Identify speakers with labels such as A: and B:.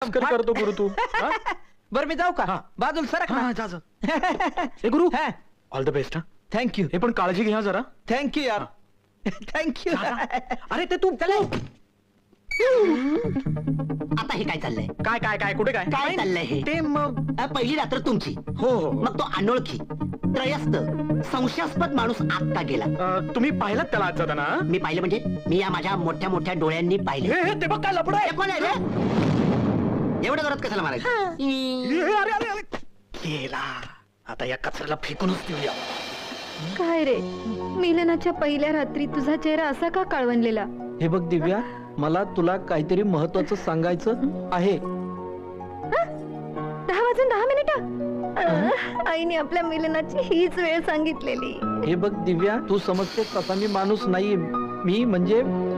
A: मस्करी करतो गुरु तू. हा?
B: बरं मी जाऊ का?
A: हा.
B: बाजूला सरक
A: हा,
B: ना.
A: जा जा. ए गुरु,
B: हा.
A: All the best. हा,
B: थँक्यू
A: हे पण काळजी घ्या जरा.
B: थँक्यू यार. थँक्यू.
A: अरे ते तू
B: चला.
C: आता हे काय चाललंय?
A: काय काय काय कुठे काय
C: काय चाललंय हे?
A: ते मग
C: पहिली रात्र तुमची,
A: हो हो, हो.
C: मग तो अनोळखी त्रयस्थ संशयास्पद माणूस आत का गेला?
A: तुम्ही पाहिलात त्याला आज जाताना?
C: मी पाहिलं म्हणजे मी या माझ्या मोठ्या मोठ्या डोळ्यांनी पाहिले.
A: हे ते बघ काय लपड आहे.
C: हे कोण आहे रे? एवढं करत कशाला मारायचं?
A: अरे अरे अरे गेला. आता या कचऱ्याला फेकूनच देऊया.
D: काय रे, मिलनाच्या पहिल्या रात्री तुझा चेहरा असा का काळवणलेला?
B: हे बघ दिव्या, मला तुला काहीतरी महत्वाचं सांगायचं आहे.
D: 10 आईने आपल्या मिलनाची हीच वेळ सांगितलेली.
B: हे बघ दिव्या, तू समजते तसा मी माणूस नाही. मी म्हणजे